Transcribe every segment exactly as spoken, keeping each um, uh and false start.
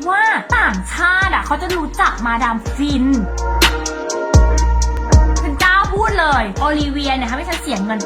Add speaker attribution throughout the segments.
Speaker 1: ว่าต่างชาติอ่ะเขาจะรู้จักมาดามฟินฉันกล้าพูดเลยโอลิเวียเนี่ยทำให้ฉันเสียเงิน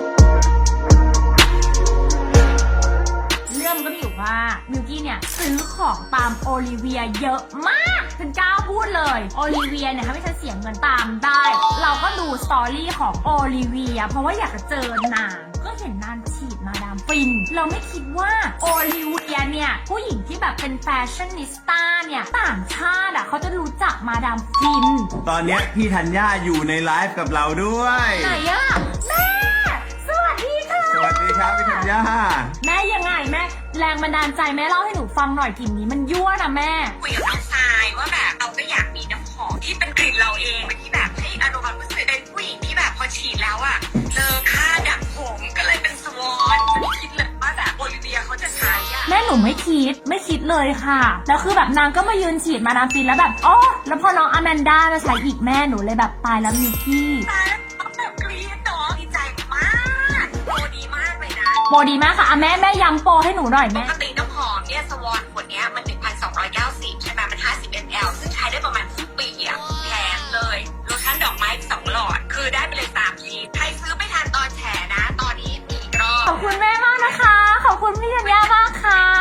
Speaker 1: เรื่องมันก็มีอยู่ว่ามิวกี้เนี่ยซื้อของตามโอลิเวียเยอะมากฉันกล้าพูดเลยโอลิเวียเนี่ยทำให้ฉันเสียเงินตามได้เราก็ดูสตอรี่ของโอลิเวียเพราะว่าอยากจะเจอนางก็เห็นนางฉีดมาดามฟินเราไม่คิดว่าโอลิเวียเนี่ยผู้หญิงที่แบบเป็นแฟชั่นนิสต้าเนี่ยต่างชาติอ่ะเขาจะรู้จักมาดามฟิน
Speaker 2: ตอนเนี้ยพี่ธัญญาอยู่ในไลฟ์กับเราด้วย
Speaker 1: ไหนอะแม่สวัสดีค่ะ
Speaker 2: สวัสดีครับพี่ธัญญา
Speaker 1: แม่ยังไงแม่แรงบันดาลใจแม่เล่าให้หนูฟังหน่อยกลิ่นนี้มันยั่วนะแม่
Speaker 3: คุยกับน้องทรายว่าแบบเราก็อยากมีน้ำหอมที่เป็นกลิ่นเราเองที่แบบให้อารมณ์ความรู้สึกเป็นผู้หญิงที่แบบพอฉีดแล้วอะเลอค่าดักผมก็เลยเป็นสวอนไม่คิดเลยว่าแบบโอลิเวียเขาจะใช้อะ
Speaker 1: แม่หนูไม่คิดไม่คิดเลยค่ะแล้วคือแบบนางก็มายืนฉีดมาดามฟินแล้วแบบอ๋อแล้วพอน้องอแมนด้ามาใช้อีกแม่หนูเลยแบบตายแล้วมิกกี้
Speaker 3: ตายแล้วแบบกรี๊ดเนาะดีใจมากโปรดีมากเลยนะ
Speaker 1: โปรดีมากค่ะอ่ะแม่แม่ย้ำโปรให้หนูหน่อย
Speaker 3: ป
Speaker 1: แม่
Speaker 3: กติน้ำหอมเนี่ยสวอนขวดเนี้ยมัน หนึ่งพันสองร้อยเก้าสิบ ใช่ไหมมัน ห้าสิบมิลลิลิตร ซึ่งใช้ได้ประมาณครึ่งปีอะแถมเลยโลชั่นดอกไม้สองหลอดคือได้ไปเลยสามชิ้นใครซื้อไม่ทันตอนแฉนะตอนนี้มีอีกรอบ
Speaker 1: ขอบคุณแม่มากนะคะขอบคุณพี่ธัญญามากค่ะ